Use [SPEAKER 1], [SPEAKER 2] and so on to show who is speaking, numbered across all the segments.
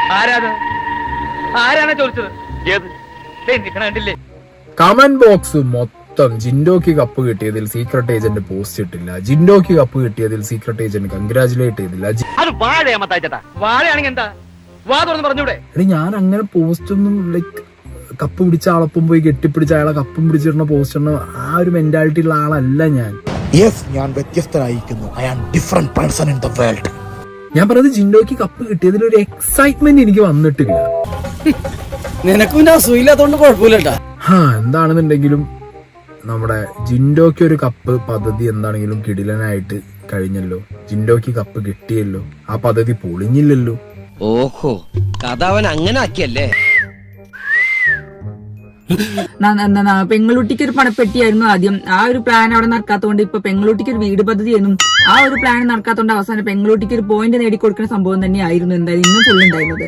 [SPEAKER 1] ആരാണ് ചോദിച്ചത്? കണ്ടില്ലേ?
[SPEAKER 2] കമന്റ് ബോക്സ് മൊത്തം ജിൻഡോക്ക് കപ്പ് കിട്ടിയതിൽ സീക്രട്ട് ഏജന്റ് പോസ്റ്റ് ഇട്ടില്ല, ജിൻഡോക്ക് കപ്പ് കിട്ടിയതിൽ സീക്രട്ട് ഏജന്റ് കൺഗ്രാചുലേറ്റ് ചെയ്തില്ല.
[SPEAKER 1] അത് വാഴയാമത്തായിട്ടാ. വാഴയാണെങ്കിൽ എന്താ? വാ തുറന്ന് പറഞ്ഞൂടെ?
[SPEAKER 2] ഞാൻ അങ്ങനെ പോസ്റ്റ് ഒന്നും ലൈക്ക് കപ്പ് പിടിച്ച ആളൊപ്പം പോയി കെട്ടിപ്പിടിച്ച അയാളെ കപ്പും പിടിച്ചിരുന്ന പോസ്റ്റ് ഉള്ള ആ ഒരു മെന്റാലിറ്റി ഉള്ള ആളല്ല ഞാൻ.
[SPEAKER 3] ഞാൻ വ്യത്യസ്തനായിരിക്കുന്നു. I am different person in the world.
[SPEAKER 2] ഞാൻ പറഞ്ഞത് ജിൻഡോക്ക് കപ്പ് കിട്ടിയതിൽ ഒരു എക്സൈറ്റ്മെന്റ് എനിക്ക് വന്നിട്ടില്ല.
[SPEAKER 4] നിനക്കും അസൂയില്ലാത്തോണ്ട് കുഴപ്പമില്ലട്ടാ.
[SPEAKER 2] എന്താണെന്നുണ്ടെങ്കിലും നമ്മുടെ ജിൻഡോക്ക് ഒരു കപ്പ് പദ്ധതി എന്താണെങ്കിലും കിടിലനായിട്ട് കഴിഞ്ഞല്ലോ. ജിൻഡോക്ക് കപ്പ് കിട്ടിയല്ലോ, ആ പദ്ധതി പൊളിഞ്ഞില്ലല്ലോ.
[SPEAKER 4] ഓഹോ, കഥ അവൻ അങ്ങനെ ആക്കിയല്ലേ.
[SPEAKER 5] പെങ്ങളുട്ടിക്ക് ഒരു പണപ്പെട്ടിയായിരുന്നു ആദ്യം. ആ ഒരു പ്ലാൻ അവിടെ നടക്കാത്തോണ്ട് ഇപ്പൊ പെങ്ങളുട്ടിക്ക് ഒരു വീട് പദ്ധതിയായിരുന്നു. ആ ഒരു പ്ലാൻ നടക്കാത്തോണ്ട് അവസാനം പെങ്ങളുട്ടിക്ക് ഒരു പോയിന്റ് നേടിക്കൊടുക്കുന്ന സംഭവം തന്നെയായിരുന്നു എന്തായാലും ഇന്ന് ഫുൾ ഉണ്ടായിരുന്നത്.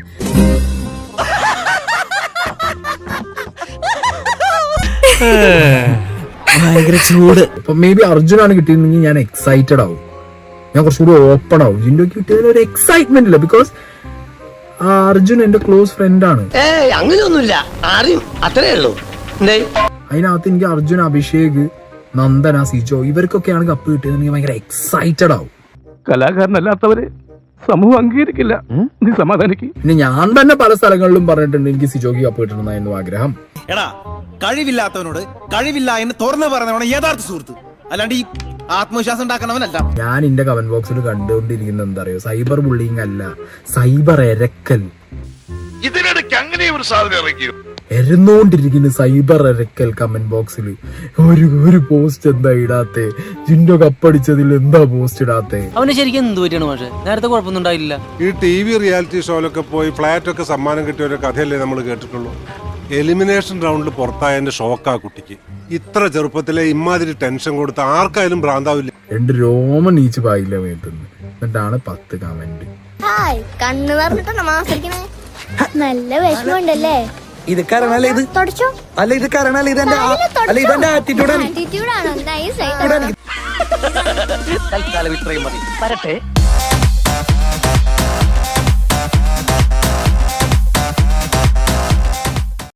[SPEAKER 2] ഭയങ്കര ചൂട്. ഇപ്പൊ മേ ബി അർജുനാണ് കിട്ടിയിരുന്നെങ്കിൽ ഞാൻ എക്സൈറ്റഡ് ആവും, ഞാൻ കുറച്ചുകൂടി ഓപ്പൺ ആവും. ജിൻഡോക്ക് കിട്ടിയതിൽ ഒരു എക്സൈറ്റ്മെന്റ് ഇല്ല, ബിക്കോസ് അർജുൻ എന്റെ ക്ലോസ് ഫ്രണ്ട് ആണ്.
[SPEAKER 4] അങ്ങനെയൊന്നുമില്ല, അത്രേ ഉള്ളൂ.
[SPEAKER 2] അതിനകത്ത് എനിക്ക് അർജുൻ, അഭിഷേക്, നന്ദന, സിജോ ഇവർക്കൊക്കെയാണ് കപ്പ് കിട്ടിയത്. ഭയങ്കര എക്സൈറ്റഡ് ആവും.
[SPEAKER 1] കലാകാരനല്ലാത്തവരെ സമൂഹം അംഗീകരിക്കില്ല. നീ സമാധാനിക്ക്.
[SPEAKER 2] പിന്നെ ഞാൻ തന്നെ പല സ്ഥലങ്ങളിലും പറഞ്ഞിട്ടുണ്ട് എനിക്ക് സിജോക്ക് കപ്പ് കിട്ടണമെന്നായിരുന്നു ആഗ്രഹം.
[SPEAKER 6] എടാ, കഴിവില്ലാത്തവനോട് കഴിവില്ല എന്ന് തുറന്നു പറഞ്ഞവനാണ് യഥാർത്ഥ സുഹൃത്ത്, അല്ലാണ്ട് ഈ ആത്മവിശ്വാസം ഉണ്ടാക്കണവനല്ല.
[SPEAKER 2] ഞാൻ എന്റെ കമന്റ് ബോക്സിൽ കണ്ടുകൊണ്ടിരിക്കുന്നത് എന്താ അറിയോ? സൈബർ ബുള്ളിങ് അല്ല, സൈബർ എരക്കൽ.
[SPEAKER 7] ഇതിനിടയ്ക്ക് അങ്ങനെ ഒരു സാധനം ഇറക്കിയോ?
[SPEAKER 2] എരന്നോണ്ടിരിക്കുന്ന സൈബർ എരക്കൽ കമന്റ് ബോക്സിൽ. ഒരു പോസ്റ്റ് എന്താ ഇടാത്തെ? ജിൻഡോ കപ്പടിച്ചതിൽ എന്താ പോസ്റ്റ് ഇടാത്തെ?
[SPEAKER 4] അവന് ശരിക്കും എന്ത് പറ്റിയാണ് പക്ഷേ? നേരത്തെ കുഴപ്പമൊന്നും ഉണ്ടായില്ല.
[SPEAKER 8] ഈ TV റിയാലിറ്റി ഷോയിലൊക്കെ പോയി ഫ്ലാറ്റൊക്കെ സമ്മാനം കിട്ടിയ ഒരു കഥയല്ലേ നമ്മൾ കേട്ടിട്ടുള്ളൂ. എലിമിനേഷൻ റൗണ്ടിൽ പുറത്തായതിന്റെ ഷോക്കാ കുട്ടിക്ക്. ഇത്ര ചെറുപ്പത്തിലെ ഇമാതിരി ടെൻഷൻ കൊടുത്ത് ആർക്കായാലും ഭ്രാന്താവില്ല.
[SPEAKER 2] 2 രോമം നീച്ച് പായില്ല മേത്തുന്നു. എന്നിട്ടാണ് 10 കമന്റ്.
[SPEAKER 9] കണ്ണു പറഞ്ഞിട്ടാണ് മാസിക്കണേ. നല്ല വിഷമമുണ്ടല്ലേ?
[SPEAKER 4] ഇത് കാരണല്ലേ ഇത്
[SPEAKER 9] തുടച്ചോ?
[SPEAKER 4] അല്ല ഇത് കാരണല്ലേ ഇതെന്റെ ആറ്റിറ്റ്യൂഡാണ്.
[SPEAKER 9] ആറ്റിറ്റ്യൂഡാണോ? നൈസ് ആയിട്ട്.
[SPEAKER 4] തൽക്കാലം ഇത്രയും മതി. വരട്ടെ.